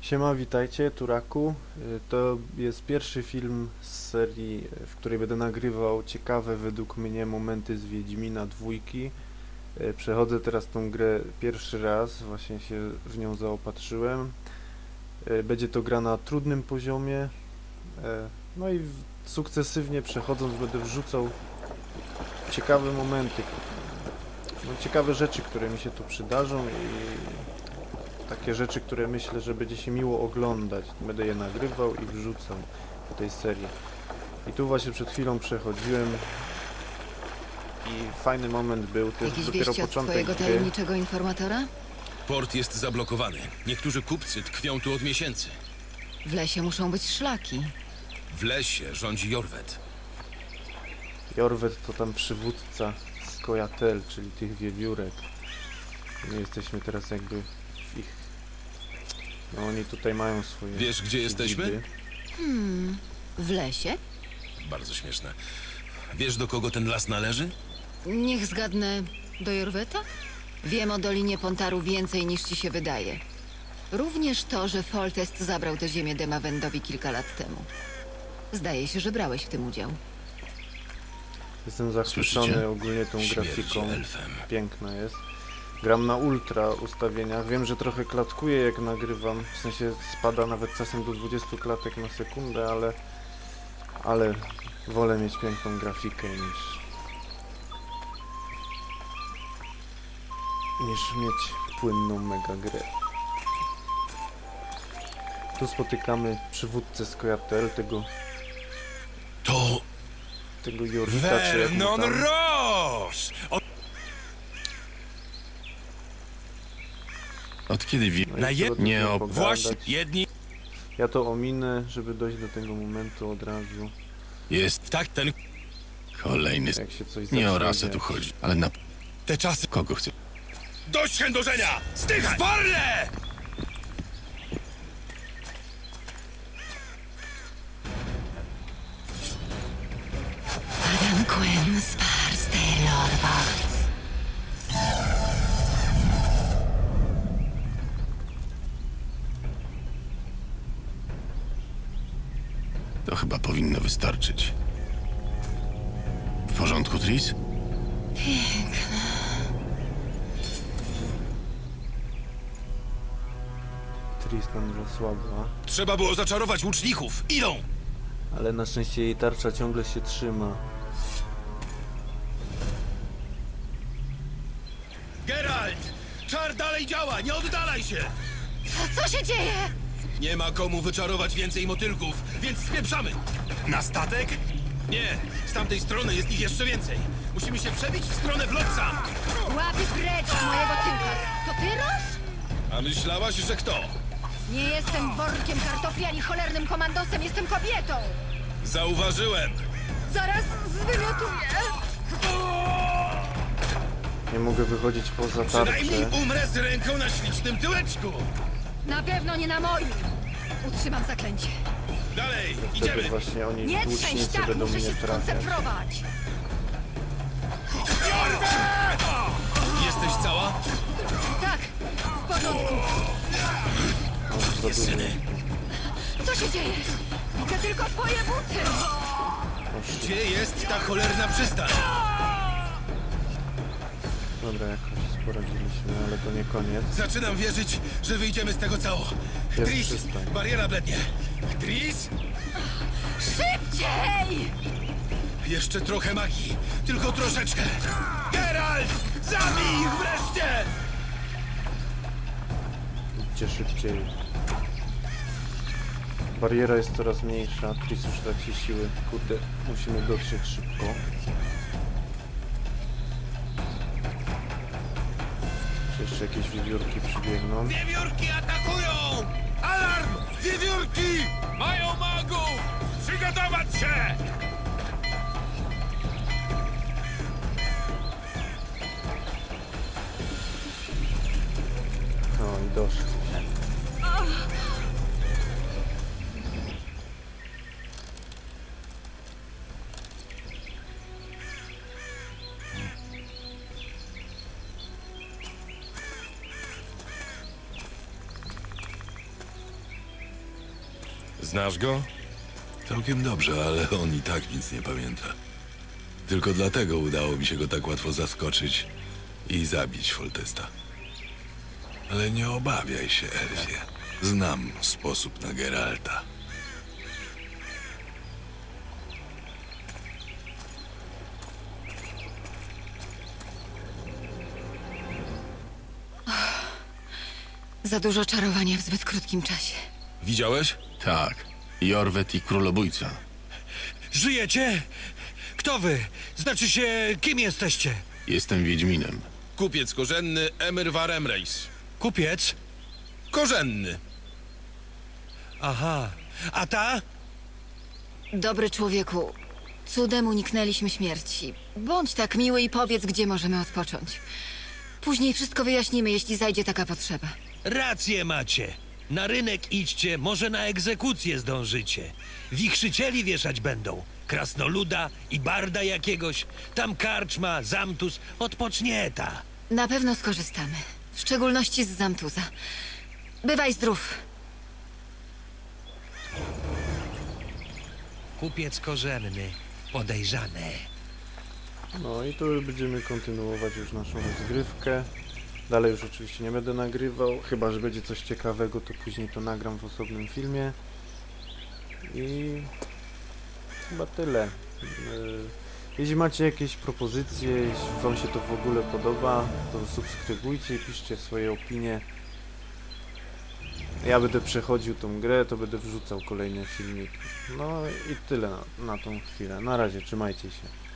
Siema, witajcie, Turaku. To jest pierwszy film z serii, w której będę nagrywał ciekawe według mnie momenty z Wiedźmina dwójki. Przechodzę teraz tą grę pierwszy raz, właśnie się w nią zaopatrzyłem. Będzie to gra na trudnym poziomie. No i sukcesywnie przechodząc będę wrzucał ciekawe momenty, ciekawe rzeczy, które mi się tu przydarzą i takie rzeczy, które myślę, że będzie się miło oglądać. Będę je nagrywał i wrzucał do tej serii. I tu właśnie przed chwilą przechodziłem i fajny moment był. To jest Jakieś dopiero wieści od początek twojego gry. tajemniczego informatora? Port jest zablokowany. Niektórzy kupcy tkwią tu od miesięcy. W lesie muszą być szlaki. W lesie rządzi Jorwet. Jorwet to tam przywódca Skojatel, czyli tych wiewiórek. My jesteśmy teraz jakby w ich... No oni tutaj mają swoje... Wiesz, gdzie jesteśmy? siedziby. W lesie? Bardzo śmieszne. Wiesz, do kogo ten las należy? Niech zgadnę, do Jorweta? Wiem o Dolinie Pontaru więcej niż ci się wydaje. Również to, że Foltest zabrał tę ziemię Demawendowi kilka lat temu. Zdaje się, że brałeś w tym udział. Jestem zachwycony Słyszycie? ogólnie tą Śmierdzi grafiką. elfem. Piękna jest. Gram na ultra ustawieniach. Wiem, że trochę klatkuje jak nagrywam. W sensie spada nawet czasem do 20 klatek na sekundę, ale wolę mieć piękną grafikę niż mieć płynną mega grę. Tu spotykamy przywódcę Skojatel, To tego Jorwita, czy jak mu Vernon tam. Roche! Od kiedy No i na trzeba jed- tu nie sobie ob- pogadać. Właśnie, jedni... Ja to ominę, żeby dojść do tego momentu od razu, jest Tak, ten... kolejny... jak się coś Nie o zacznie rasę dziać. tu chodzi, ale na Te czasy... kogo chce? Dość chędożenia! Stychaj! Sparle! Adam Quinn, Spars, Taylor, Wacht. To chyba powinno wystarczyć. W porządku, Tris? Tristan zasłabła, Trzeba było zaczarować łuczników. Idą! ale na szczęście jej tarcza ciągle się trzyma. Geralt! Czar dalej działa! Nie oddalaj się! Co się dzieje? Nie ma komu wyczarować więcej motylków, więc spieprzamy! Na statek? Nie, z tamtej strony jest ich jeszcze więcej. Musimy się przebić w stronę Vlotsa. Łapy precz z mojego tyłka. To ty, Roż? A myślałaś, że kto? Nie jestem workiem kartofli ani cholernym komandosem, jestem kobietą. Zauważyłem. Zaraz zwymiotuję. Nie mogę wychodzić poza Przynajmniej tarczę. umrę z ręką na ślicznym tyłeczku. Na pewno nie na moim. Utrzymam zaklęcie. Dalej, Wtedy idziemy. właśnie oni Nie trzęść łucznicy tak, będą muszę mnie się trafiać. skoncentrować. Jesteś cała? Tak, w porządku. Za dużo. Co się dzieje? Widzę tylko twoje buty. Gdzie jest ta cholerna przystań? Dobra, jakoś poradziliśmy, ale to nie koniec. Zaczynam wierzyć, że wyjdziemy z tego cało. Jest Tris, przystań. bariera blednie. Tris? Szybciej! Jeszcze trochę magii. Tylko troszeczkę. Geralt! Zabij ich wreszcie! Idźcie szybciej. Bariera jest coraz mniejsza, Tris już traci siły. Kurde, musimy dotrzeć szybko. Czy jeszcze jakieś wiewiórki przybiegną? Wiewiórki atakują! Alarm! Wiewiórki! Mają magów! Przygotować się! No i doszli. Znasz go? Całkiem dobrze, ale on i tak nic nie pamięta. Tylko dlatego udało mi się go tak łatwo zaskoczyć i zabić Foltesta. Ale nie obawiaj się, Elfie. Znam sposób na Geralta. Za dużo czarowania w zbyt krótkim czasie. Widziałeś? Tak. Jorwet i królobójca. Żyjecie? Kto wy? Znaczy się, kim jesteście? Jestem Wiedźminem. Kupiec korzenny Emir Varemreis. Kupiec? Korzenny. Aha. A ta? Dobry człowieku, cudem uniknęliśmy śmierci. Bądź tak miły i powiedz, gdzie możemy odpocząć. Później wszystko wyjaśnimy, jeśli zajdzie taka potrzeba. Rację macie. Na rynek idźcie, może na egzekucję zdążycie. Wichrzycieli wieszać będą. Krasnoluda i barda jakiegoś. Tam karczma, zamtus, odpocznieta. Na pewno skorzystamy. W szczególności z Zamtuza. Bywaj zdrów. Kupiec korzenny, podejrzany. No i tu będziemy kontynuować już naszą rozgrywkę. Dalej już oczywiście nie będę nagrywał, chyba że będzie coś ciekawego, to później to nagram w osobnym filmie. I chyba tyle. Jeśli macie jakieś propozycje, jeśli wam się to w ogóle podoba, to subskrybujcie i piszcie swoje opinie. Ja będę przechodził tą grę, to będę wrzucał kolejne filmiki. No i tyle na tą chwilę. Na razie, trzymajcie się.